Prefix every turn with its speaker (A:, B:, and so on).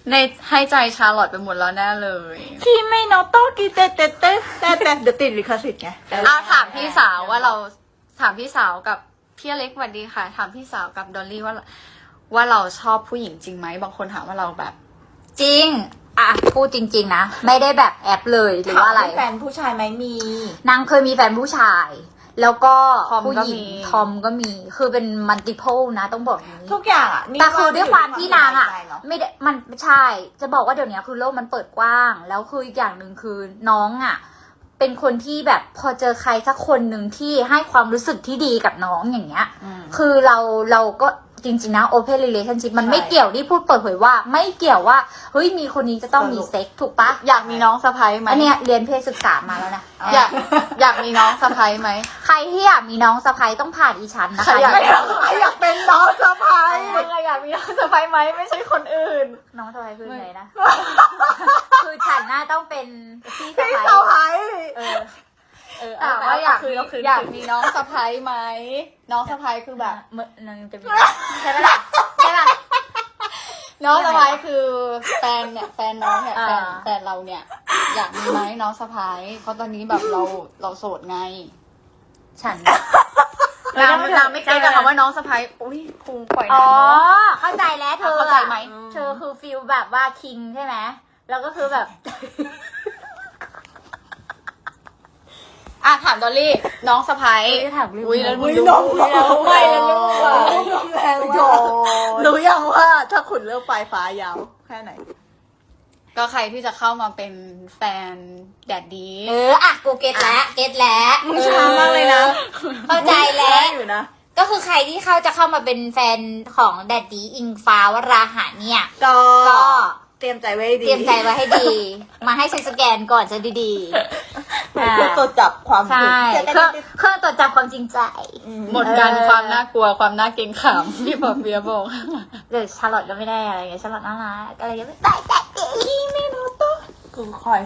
A: ในให้ใจชาร์ลอตไปหมดแล้วแน่เลย
B: คิไม่โนโตกิเตเตเตแต่เดี๋ยวติดลิขสิทธิ์ไง
A: เอาถามพี่สาวว่าเราถามพี่สาวกับพี่เล็กสวัสดีค่ะ ถามพี่สาวกับดอลลี่ว่าเราชอบผู้หญิงจริงไหมบางคนถามว่าเราแบบ
C: จริงอ่ะพูดจริงๆนะไม่ได้แบบแอปเลยหรือว่าอะไร
B: มีแฟนผู้ชายไหมมี
C: นางเคยมีแฟนผู้ชาย แล้วก็
A: ทอม
C: ผู้
A: ก็
C: หญิง
A: มี
C: ทอมก็มีคือเป็นมัลติเพลนะต้องบอกอย่างนี้
B: ทุกอย่างอ่ะนี่
C: แต่คือด้วยความที่นางอ่ะ
B: สบยใจเน
C: ไม่ได้มันใช่ จะบอกว่าเดี๋ยวนี้คือโลกมันเปิดกว้าง แล้วคืออีกอย่างหนึ่งคือน้องอ่ะ เป็นคนที่แบบพอเจอใครสักคนหนึ่งที่ให้ความรู้สึกที่ดีกับน้องอย่างเงี้ย คือเราก็จริงๆนะ open relationship มันไม่เกี่ยวที่พูดเปิดเผยว่า ไม่เกี่ยวว่าเฮ้ยมีคนนี้จะต้องมีเซ็กถูกปะ
A: อยากมีน้องสะพ้ายไหม
C: อันเนี้ยเรียนเพศศึกษามาแล้วนะ
A: อยากมีน้องสะพ้ายไหม
C: ใครที่อยากมีน้องสะใภ้ต้องผ่านอีชั้นนะ
A: ใคร
C: คะ
A: อยาก
B: ไม่เอาใครอยากเป็นน้องสะพ้าย
A: มึงอะอยากมีน้องสะพ้ายไหมไม่ใช่คนอื่น
C: น้องสะใภ้คือไงนะ คือฉันน่าต้องเป็นพี่สะ
B: พี่
C: ใภ้
B: สะพ้าย
A: ถามว่าอยากมีน้องสะพ้ายไหมน้องสะพ้ายคือแบบ
C: เมื่อนึงจะมีใช่ไหมล่ะใช่ป่ะ
A: น้องสะพ้ายคือแฟนเนี่ยแฟนน้องเนี่ย
C: อ่า
A: แฟนเราเนี่ย อยากมีไหมน้องสะพ้ายเพราะตอนนี้แบบเราโสดไง
C: ฉัน
A: นางไม่เก็ตกับคำว่าน้องสะพ้ายอุ้ยพุงปล่อย
C: อ๋อ
A: น้ำเนาะ
C: เข้าใจแล้วเธอ
A: เข้าใจไหม
C: เธอคือฟิลแบบว่าคิงใช่ไหมแล้วก็คือแบบ
A: อ่ะถามดอลลี่น้องสะพ้าย
C: จะถามเรื่อง
A: อุ้ยแล้วมึง
B: น้
A: ดู
B: อง
A: ไม่แล้วลูกอะ
B: แรงว่ะรู้ยังว่าถ้าขุนเลือกปลายฟ้ายาวแค่ไหน
A: ก็ใครที่จะเข้ามาเป็นแฟนแดดดี
C: อ่ะกูเก็ตแล้วเก็ตแล้ว
A: มึงช้ามากเลยนะ
C: เข้าใจแล้ว
B: อยู่นะ
C: ก็คือใครที่จะเข้ามาเป็นแฟนของแดดดี้อิงฟ้าวราหะเนี่ย
B: ก็
C: ก็
B: เตรียมใจไว้ให้ดี
C: เตรียมใจไว้ให้ดี มาให้ฉันสแกนก่อนจะดี
B: เพื่อตรวจจับความ
C: ๆ ใช่
B: จะได้
C: เครื่องตรวจจับความจริงใจ
A: หมดกันความน่ากลัวความน่าเกรงขามพี่ปอเปียบอก
C: เดี๋ยวชาร์ลอตก็ไม่ได้อะไรเงี้ยชาร์ลอตน่ารักอะไรเงี้ยไม่ได้แต่ดีไม่รู้ตัว
B: กูคอย